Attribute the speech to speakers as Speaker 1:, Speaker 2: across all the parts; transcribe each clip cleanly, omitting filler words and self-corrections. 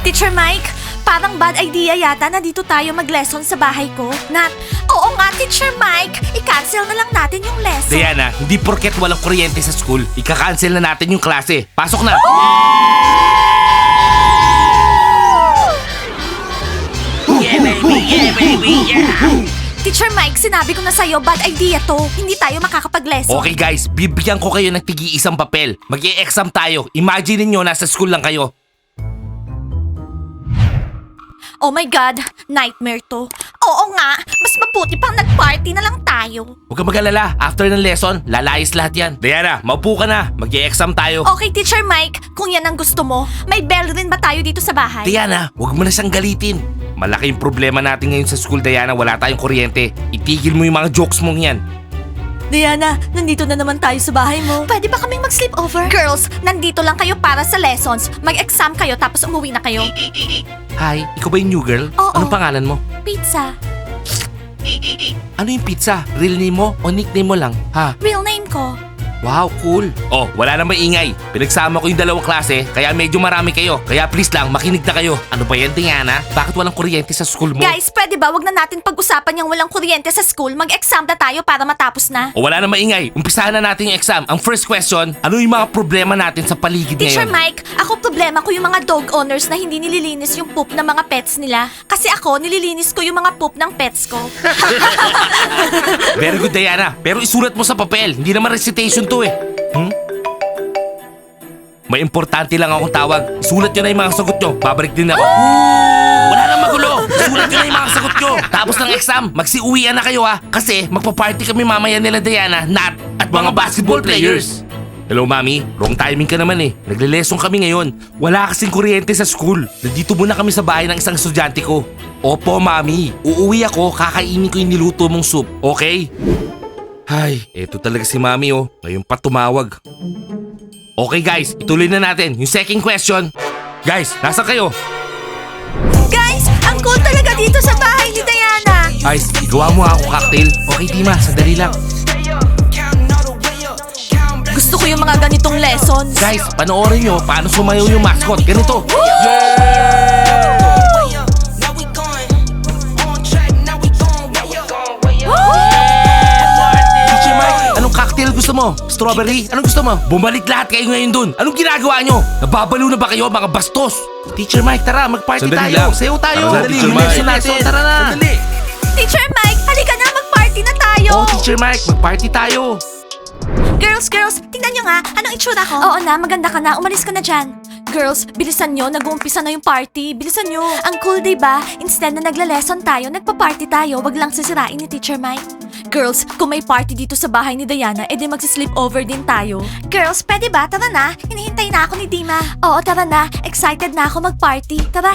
Speaker 1: Teacher Mike, parang bad idea yata na dito tayo mag-lesson sa bahay ko. Nat, oo nga, Teacher Mike. I-cancel na lang natin yung lesson.
Speaker 2: Diana, hindi porket walang kuryente sa school, ika-cancel na natin yung klase. Pasok na!
Speaker 3: Yeah, baby, yeah, baby, yeah.
Speaker 1: Teacher Mike, sinabi ko na sa'yo, bad idea to. Hindi tayo makakapag-lesson.
Speaker 2: Okay guys, bibigyan ko kayo ng tigi-isang papel. Mag-e-exam tayo. Imagine niyo nasa school lang kayo.
Speaker 1: Oh my God, nightmare to. Oo nga, mas mabuti pang nag-party na lang tayo.
Speaker 2: Huwag kang mag-alala, after ng lesson, lalayas lahat yan. Diana, maupo ka na. Mag-e-exam tayo.
Speaker 1: Okay, Teacher Mike, kung yan ang gusto mo, may bell rin ba tayo dito sa bahay?
Speaker 2: Diana, huwag mo na siyang galitin. Malaking problema natin ngayon sa school, Diana. Wala tayong kuryente. Itigil mo yung mga jokes mong yan.
Speaker 1: Diana, nandito na naman tayo sa bahay mo. Pwede ba kaming mag-sleepover? Girls, nandito lang kayo para sa lessons. Mag-exam kayo tapos umuwi na kayo.
Speaker 2: Hi, ikaw ba yung new girl?
Speaker 1: Oo.
Speaker 2: Anong pangalan mo?
Speaker 1: Pizza.
Speaker 2: Ano yung pizza? Real name mo o nickname mo lang? Ha?
Speaker 1: Real name ko.
Speaker 2: Wow, cool. Oh, wala na maingay. Pinagsama ko yung dalawang klase, kaya medyo marami kayo. Kaya please lang, makinig na kayo. Ano ba yan, Diana? Bakit walang kuryente sa school mo?
Speaker 1: Guys, pwede ba wag na natin pag-usapan yung walang kuryente sa school? Mag-exam na tayo para matapos na.
Speaker 2: O wala na maingay. Umpisahan na natin yung exam. Ang first question, ano yung mga problema natin sa paligid
Speaker 1: Teacher
Speaker 2: ngayon?
Speaker 1: Mike, ako problema ko yung mga dog owners na hindi nililinis yung poop ng mga pets nila. Kasi ako, nililinis ko yung mga poop ng pets ko.
Speaker 2: Very good, Diana. Pero isulat mo sa papel. Hindi naman recitation to eh. May importante lang akong tawag. Isulat nyo na yung mga sagot nyo. Babalik din ako. Wala nang magulo. Isulat nyo na yung mga sagot nyo. Tapos ng exam, magsiuwian na kayo ha. Kasi magpa-party kami mamaya nila Diana, Nat, at mga basketball players. Hello, Mami. Wrong timing ka naman eh. Nagle-lesson kami ngayon. Wala kasing kuryente sa school. Nandito muna kami sa bahay ng isang estudyante ko. Opo, Mami. Uuwi ako, kakainin ko yung niluto mong soup. Okay? Ay, eto talaga si Mami oh. Ngayon pa tumawag. Okay guys, ituloy na natin. Yung second question. Guys, nasa kayo?
Speaker 1: Guys, ang cool talaga dito sa bahay ni Diana.
Speaker 2: Guys, igawa mo ako cocktail. Okay, Dima, sandali lang.
Speaker 1: Gusto ko yung mga ganitong lessons.
Speaker 2: Guys, panoorin nyo paano sumayaw yung mascot. Ganito. Teacher Mike, anong cocktail gusto mo? Strawberry? Anong gusto mo? Bumalik lahat kayo ngayon dun. Anong ginagawa nyo? Nababalo na ba kayo mga bastos? Teacher Mike, tara, mag-party
Speaker 4: Sandali
Speaker 2: tayo.
Speaker 4: lang.
Speaker 2: Sayaw tayo.
Speaker 4: Tara na, Teacher
Speaker 2: Yung
Speaker 4: Mike.
Speaker 2: lesson natin. Tara na.
Speaker 4: Sandali.
Speaker 1: Teacher Mike, halika na, mag-party na tayo.
Speaker 2: Oh, Teacher Mike, mag-party tayo.
Speaker 1: Girls, tingnan nyo nga, anong itsura ko? Oo na, maganda ka na, umalis ka na dyan. Girls, bilisan nyo, nag-uumpisa na yung party. Bilisan nyo. Ang cool, diba? Instead na nagla-lesson tayo, nagpa-party tayo. Wag lang sisirain ni Teacher Mike. Girls, kung may party dito sa bahay ni Diana, edi magsi-sleepover din tayo. Girls, pwede ba? Tara na. Hinihintay na ako ni Dima. Oo, tara na. Excited na ako mag-party. Tara.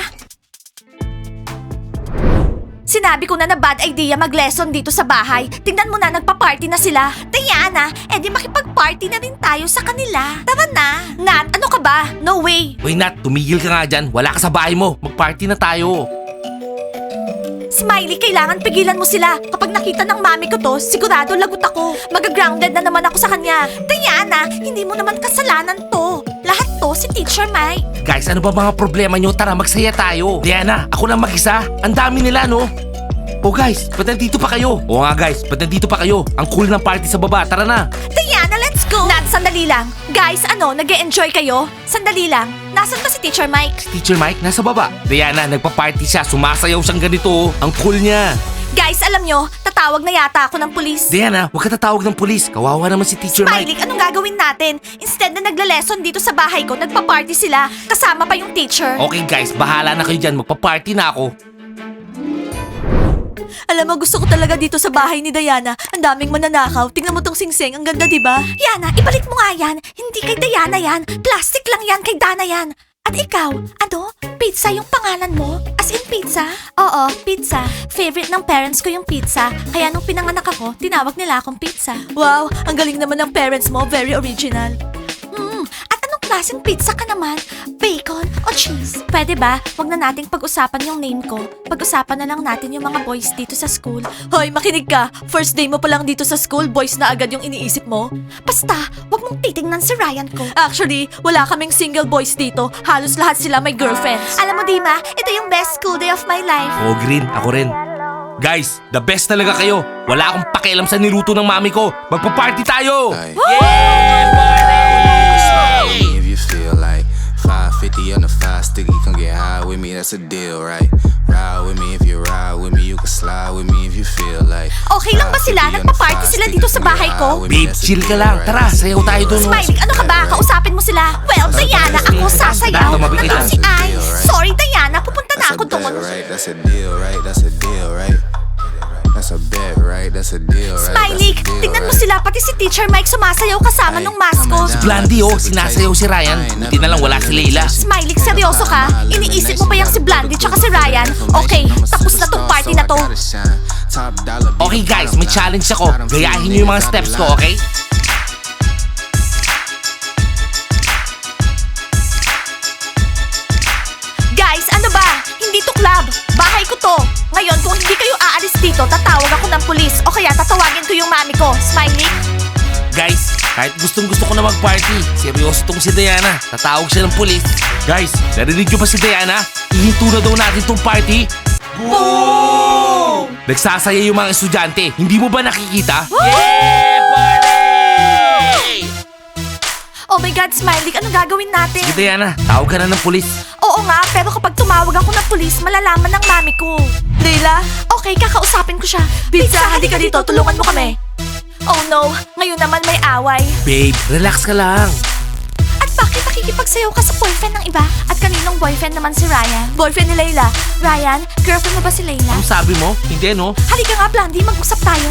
Speaker 1: Sinabi ko na bad idea mag-lesson dito sa bahay. Tingnan mo na, nagpa-party na sila. Diana, edi makipag-party na rin tayo sa kanila. Tara na. Nat, ano ka ba? No way.
Speaker 2: Uy, Nat, tumigil ka nga dyan. Wala ka sa bahay mo. Mag-party na tayo.
Speaker 1: Smiley, kailangan pigilan mo sila. Kapag nakita ng mami ko to, sigurado lagot ako. Mag-grounded na naman ako sa kanya. Diana, hindi mo naman kasalanan to. Lahat to si Teacher Mike.
Speaker 2: Guys, ano ba mga problema nyo? Tara, magsaya tayo. Diana, ako lang mag-isa. Ang dami nila, no? Oh guys, ba't nandito pa kayo? Oo nga guys, ba't nandito pa kayo? Ang cool ng party sa baba, tara na.
Speaker 1: Diana, let's go! Nat, sandali lang. Guys, ano, nag-e-enjoy kayo? Sandali lang. Nasaan ba si Teacher Mike?
Speaker 2: Teacher Mike, nasa baba. Diana, nagpa-party siya. Sumasayaw siyang ganito. Ang cool niya.
Speaker 1: Guys, alam nyo, tatawag na yata ako ng pulis.
Speaker 2: Diana, huwag ka tatawag ng pulis. Kawawa naman si Teacher
Speaker 1: Smiley,
Speaker 2: Mike.
Speaker 1: anong gagawin natin? Instead na nagla-lesson dito sa bahay ko, nagpa-party sila. Kasama pa yung teacher.
Speaker 2: Okay guys, bahala na kayo dyan. Magpa-party na ako.
Speaker 1: Alam mo, gusto ko talaga dito sa bahay ni Diana. Ang daming mananakaw. Tingnan mo tong singsing. Ang ganda, diba? Yana, ibalik mo nga yan. Hindi kay Diana yan. Plastic lang yan. Kay Dana yan. At ikaw, ano? Pizza yung pangalan mo? As in pizza? Oo, pizza. Favorite ng parents ko yung pizza. Kaya nung pinanganak ako, tinawag nila akong pizza. Wow, ang galing naman ng parents mo. Very original. At anong klaseng pizza ka naman? Bacon o cheese? Pwede ba? Huwag na nating pag-usapan yung name ko. Pag-usapan na lang natin yung mga boys dito sa school. Hoy, makinig ka. First day mo pa lang dito sa school, boys na agad yung iniisip mo. Basta, huwag mong titingnan si Ryan ko. Actually, wala kaming single boys dito. Halos lahat sila may girlfriends. Alam mo, Dima, ito yung best school day of my life.
Speaker 2: Oh, Green, ako rin. Guys, the best talaga kayo. Wala akong pakialam sa niluto ng mami ko. Magpa-party tayo!
Speaker 4: Like,
Speaker 3: Hey!
Speaker 4: if you feel like 550 on the 5 sticky, come get high with me, that's a deal, right? Ride with me if you ride with me, you can slide with me if you feel like.
Speaker 1: Okay lang ba sila? Nagpa-party sila dito sa bahay ko?
Speaker 2: Babe, chill ka lang. Tara, sayaw tayo dun.
Speaker 1: Smiley, ano ka ba? Kausapin mo sila. Well, Diana, ako sasayaw.
Speaker 2: Basta mabigay
Speaker 1: Ano
Speaker 2: lang.
Speaker 1: si Ice? Sorry, Diana, pupunta na
Speaker 4: That's
Speaker 1: ako
Speaker 4: a bet,
Speaker 1: doon.
Speaker 4: right? That's a deal, right? That's a deal, right? That's a bet, right? That's a deal, right?
Speaker 1: Smiley,
Speaker 4: That's a deal,
Speaker 1: tingnan mo
Speaker 4: right?
Speaker 1: sila, pati si Teacher Mike sumasayaw kasama nung mascot.
Speaker 2: Blandy, oh, sinasayaw si Ryan. Buti na lang wala si Layla.
Speaker 1: Smiley, seryoso ka? Iniisip mo ba yung si Blandy tsaka si Ryan? Okay, tapos na tong party na to.
Speaker 2: Okay guys, may challenge ako. Gayahin niyo yung mga steps ko, okay?
Speaker 1: Guys, ano ba? Hindi to club. Bahay ko to. Ngayon, kung hindi kayo aalis dito, tatawag ako ng pulis o kaya tatawagin ko yung mami ko. Smiley?
Speaker 2: Guys, kahit gustong-gusto ko na mag-party, seryoso tong si Diana. Tatawag siya ng pulis. Guys, narinig niyo ba si Diana? Ihinto na daw natin tong party. Boom! Nagsasaya yung mga estudyante. Hindi mo ba nakikita?
Speaker 1: Oh my God, Smiley, anong gagawin natin?
Speaker 2: Sige Diana, tawag ka na ng pulis.
Speaker 1: Oo nga, pero kapag tumawag ako ng pulis, malalaman ng mami ko. Leila? Okay, kakausapin ko siya. Pizza, halika dito, tulungan mo kami. Oh no, ngayon naman may away.
Speaker 2: Babe, relax ka lang.
Speaker 1: At bakit nakikipagsayaw ka sa boyfriend ng iba? At kaninong boyfriend naman si Ryan? Boyfriend ni Layla. Ryan, girlfriend mo ba si Layla?
Speaker 2: Ano sabi mo? Hindi no?
Speaker 1: Halika nga, Blandy, mag-usap tayo.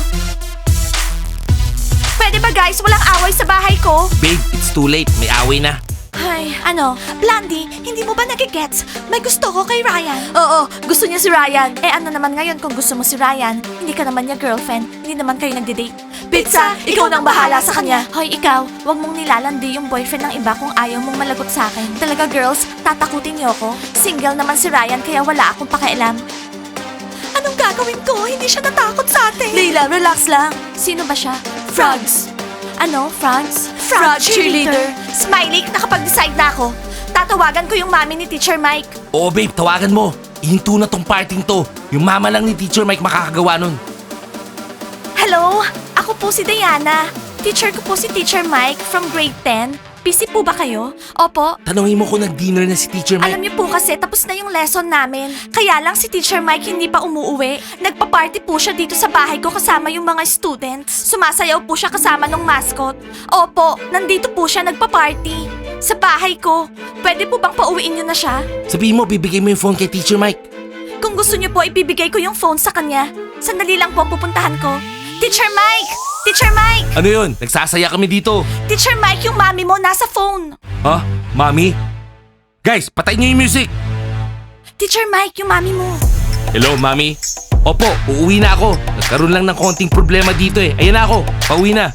Speaker 1: Pwede ba guys, walang away sa bahay ko?
Speaker 2: Babe, it's too late. May away na.
Speaker 1: Ay, ano? Blandy, hindi mo ba nagigets? May gusto ko kay Ryan. Oo, gusto niya si Ryan. Eh ano naman ngayon kung gusto mo si Ryan? Hindi ka naman niya girlfriend. Hindi naman kayo nagde-date. Pizza, ikaw nang bahala sa kanya. Hoy, ikaw, wag mong nilalandi yung boyfriend ng iba kung ayaw mong malagot sa akin. Talaga girls, tatakutin niyo ako. Single naman si Ryan kaya wala akong pakialam. Anong gagawin ko? Hindi siya natakot sa atin. Leila, relax lang. Sino ba siya? Frogs. Ano? Frogs? Frog cheerleader. Smiley, nakapag-decide na ako. Tatawagan ko yung mami ni Teacher Mike.
Speaker 2: Oo babe, tawagan mo. Ihinto na tong parting to. Yung mama lang ni Teacher Mike makakagawa nun.
Speaker 1: Hello? Ako po si Diana. Teacher ko po si Teacher Mike from grade 10. Busy po ba kayo? Opo.
Speaker 2: Tanungin mo kung nag-dinner na si Teacher Mike.
Speaker 1: Alam niyo po kasi tapos na yung lesson namin. Kaya lang si Teacher Mike hindi pa umuuwi. Nagpa-party po siya dito sa bahay ko kasama yung mga students. Sumasayaw po siya kasama ng mascot. Opo, nandito po siya nagpa-party. Sa bahay ko. Pwede po bang pauwiin niyo na siya?
Speaker 2: Sabihin mo, bibigay mo yung phone kay Teacher Mike.
Speaker 1: Kung gusto niyo po, ibibigay ko yung phone sa kanya. Sandali lang po pupuntahan ko. Teacher Mike! Teacher Mike!
Speaker 2: Ano yun? Nagsasaya kami dito.
Speaker 1: Teacher Mike, yung mami mo nasa phone.
Speaker 2: Ha? Mami? Guys, patay niyo yung music.
Speaker 1: Teacher Mike, yung mami mo.
Speaker 2: Hello, Mami? Opo, uuwi na ako. Nagkaroon lang ng konting problema dito eh. Ayan na ako, pauwi na.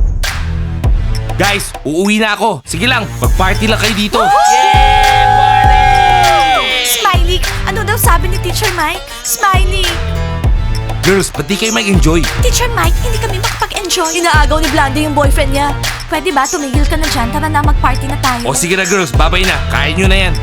Speaker 2: Guys, uuwi na ako. Sige lang, mag-party lang kayo dito.
Speaker 1: Smiley, ano daw sabi ni Teacher Mike? Smiley!
Speaker 2: Girls, ba't di kayo mag-enjoy?
Speaker 1: Teacher Mike, hindi kami makapag-enjoy. Inaagaw ni Blandy yung boyfriend niya. Pwede ba, tumigil ka na dyan? Tara na, mag-party na tayo.
Speaker 2: O sige na girls, babay na. Kain nyo na yan.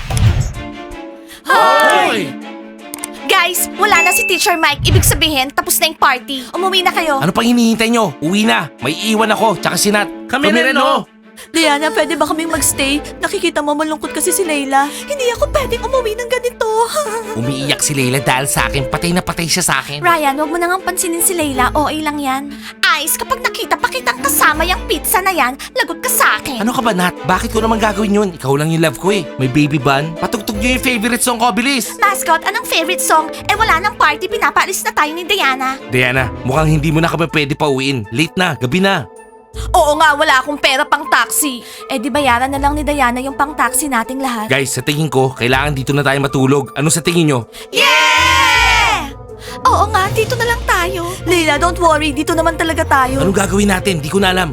Speaker 1: Hoy! Guys, wala na si Teacher Mike. Ibig sabihin, tapos na yung party. Umuwi na kayo.
Speaker 2: Ano pang hinihintay nyo? Uwi na. May iwan ako, tsaka si Nat. Kami rin, no?
Speaker 1: Diana, pwede ba kaming magstay? Nakikita mo malungkot kasi si Layla. Hindi ako pwedeng umuwi ng ganito.
Speaker 2: Umiiyak si Layla dahil sa akin. Patay na patay siya sa akin.
Speaker 1: Ryan, wag mo nang pansinin si Layla. OA lang yan. Ice, kapag nakita pa kitang kasama yung pizza na yan, lagot ka sa akin.
Speaker 2: Ano ka ba, Nat? Bakit ko naman gagawin yun? Ikaw lang yung love ko eh. May baby bun. Patugtog nyo yung favorite song ko, bilis.
Speaker 1: Mascot, anong favorite song? Eh wala nang party, pinapaalis na tayo ni Diana.
Speaker 2: Diana, mukhang hindi mo na kami pwede pauwiin. Late na, gabi na.
Speaker 1: Oo nga, wala akong pera pang taxi. Eh di bayaran na lang ni Diana yung pang taxi nating lahat.
Speaker 2: Guys, sa tingin ko, kailangan dito na tayo matulog. Ano sa tingin nyo?
Speaker 1: Yeah! Oo nga, dito na lang tayo. Leila, don't worry, dito naman talaga tayo.
Speaker 2: Anong gagawin natin? Di ko na alam.
Speaker 1: Alam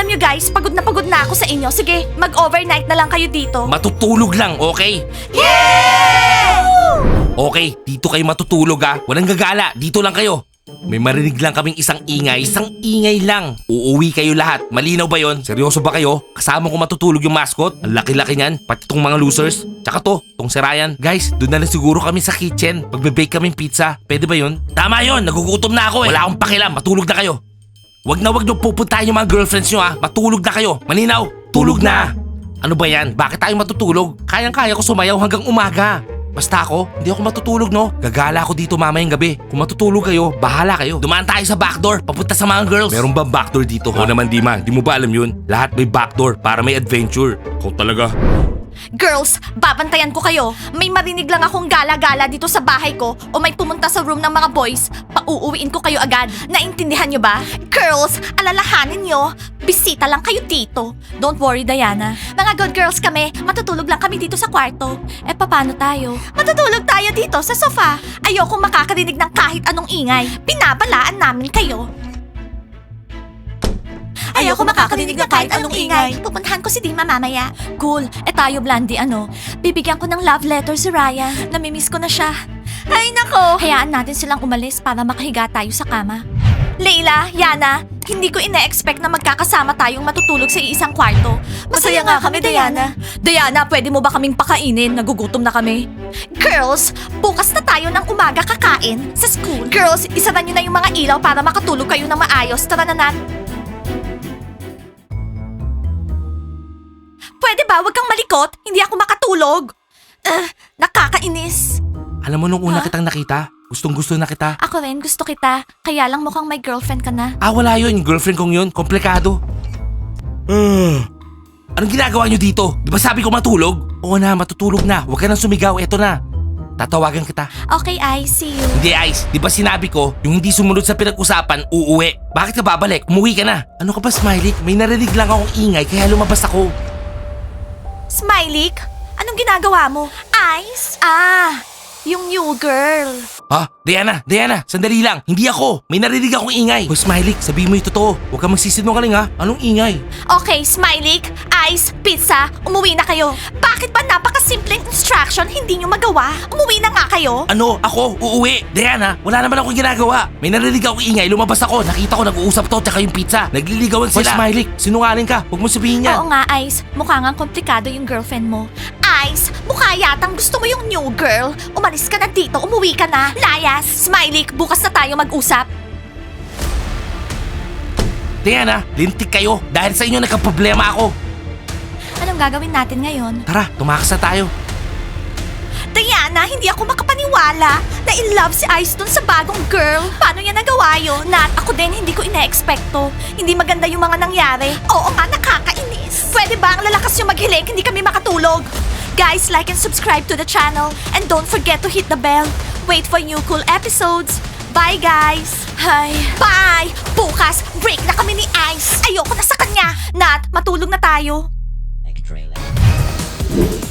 Speaker 1: Alam nyo guys, pagod na ako sa inyo. Sige, mag-overnight na lang kayo dito.
Speaker 2: Matutulog lang, okay?
Speaker 1: Yeah!
Speaker 2: Okay, dito kayo matutulog ha. Walang gagala, dito lang kayo. May marinig lang kaming isang ingay lang. Uuwi kayo lahat. Malinaw ba yon? Seryoso ba kayo? Kasama ko matutulog yung mascot? Ang laki-laki niyan, pati tong mga losers. Tsaka tong si Ryan. Guys, doon na lang siguro kami sa kitchen. Magbe-bake kaming pizza. Pwede ba yon? Tama yon, nagugutom na ako eh. Wala akong pakialam, matulog na kayo. Wag niyo pupuntahan yung mga girlfriends nyo ha. Matulog na kayo. Malinaw? Tulog na. Ano ba yan? Bakit tayo matutulog? Kayang-kaya ko sumayaw hanggang umaga. Basta ako, hindi ako matutulog no. Gagala ako dito mamayang gabi. Kung matutulog kayo, bahala kayo. Dumaan tayo sa backdoor, papunta sa mga girls. Meron ba backdoor dito? Oo naman Dima, di mo ba alam yun? Lahat may backdoor para may adventure. Kung talaga.
Speaker 1: Girls, babantayan ko kayo. May marinig lang akong gala-gala dito sa bahay ko o may pumunta sa room ng mga boys, pauuwiin ko kayo agad. Naintindihan nyo ba? Girls, alalahanin nyo, bisita lang kayo dito. Don't worry, Diana. Mga good girls kami, matutulog lang kami dito sa kwarto. Eh, paano tayo? Matutulog tayo dito sa sofa. Ayokong makakarinig ng kahit anong ingay. Binabalaan namin kayo. Ayoko makakarinig ng kahit anong ingay. Pupuntahan ko si Dima mamaya. Cool. Eh tayo, Blandy, ano? Bibigyan ko ng love letter si Ryan. Namimiss ko na siya. Ay, nako! Hayaan natin silang umalis para makahiga tayo sa kama. Leila, Yana, hindi ko ine-expect na magkakasama tayong matutulog sa isang kwarto. Masaya nga kami, Diana. Diana, pwede mo ba kaming pakainin? Nagugutom na kami. Girls, bukas na tayo ng umaga kakain sa school. Girls, isara nyo na yung mga ilaw para makatulog kayo ng maayos. Tara na, Nat. Pwede ba? Huwag kang malikot. Hindi ako makatulog. Nakakainis.
Speaker 2: Alam mo nung una kitang nakita, gustong-gusto na kita.
Speaker 1: Ako rin, gusto kita. Kaya lang mukhang may girlfriend ka na.
Speaker 2: Wala yun. Yung girlfriend kong yun. Komplikado. Anong ginagawa nyo dito? Di ba sabi ko matulog? Oo na, matutulog na. Huwag ka nang sumigaw. Eto na. Tatawagan kita.
Speaker 1: Okay, I see you.
Speaker 2: Hindi, Ice. Di ba sinabi ko, yung hindi sumunod sa pinag-usapan, uuwi. Bakit ka babalik? Umuwi ka na. Ano ka ba, Smiley? May narinig lang akong ingay kaya lumabas ako.
Speaker 1: Smiley, anong ginagawa mo? Ice? Yung new girl.
Speaker 2: Diana, sandali lang. Hindi ako. May narinig akong ingay. Hoy, Smiley, sabihin mo yung totoo. Huwag kang magsisinungaling ha. Anong ingay?
Speaker 1: Okay, Smiley, Ice, Pizza, umuwi na kayo. Bakit ba napakasimpleng instruction hindi nyo magawa? Umuwi na nga kayo.
Speaker 2: Ano? Ako? Uuwi? Diana, wala naman akong ginagawa. May narinig akong ingay. Lumabas ako. Nakita ko nag-uusap to tsaka yung pizza. Nagliligawan sila. Hoy, Smiley, sinungaling ka. Huwag mo sabihin yan.
Speaker 1: Oo nga, Ice. Mukha nga komplikado yung girlfriend mo. Ice, mukha yatang gusto mo yung new girl. Umalis ka na dito, umuwi ka na. Layas, Smiley, bukas na tayo mag-usap.
Speaker 2: Diana, lintik kayo. Dahil sa inyo nagka-problema ako.
Speaker 1: Anong gagawin natin ngayon?
Speaker 2: Tara, tumakas na tayo.
Speaker 1: Diana, hindi ako makapaniwala na in love si Ice dun sa bagong girl. Paano niya nagawa yun? Nat, ako din hindi ko ina-expecto. Hindi maganda yung mga nangyari. Oo nga, nakakainis. Pwede ba ang lalakas yung maghilik, hindi kami makatulog? Guys, like and subscribe to the channel. And don't forget to hit the bell. Wait for new cool episodes. Bye, guys. Hi. Bye. Bukas, break na kami ni Ice. Ayoko na sa kanya. Nat, matulog na tayo.
Speaker 3: Extra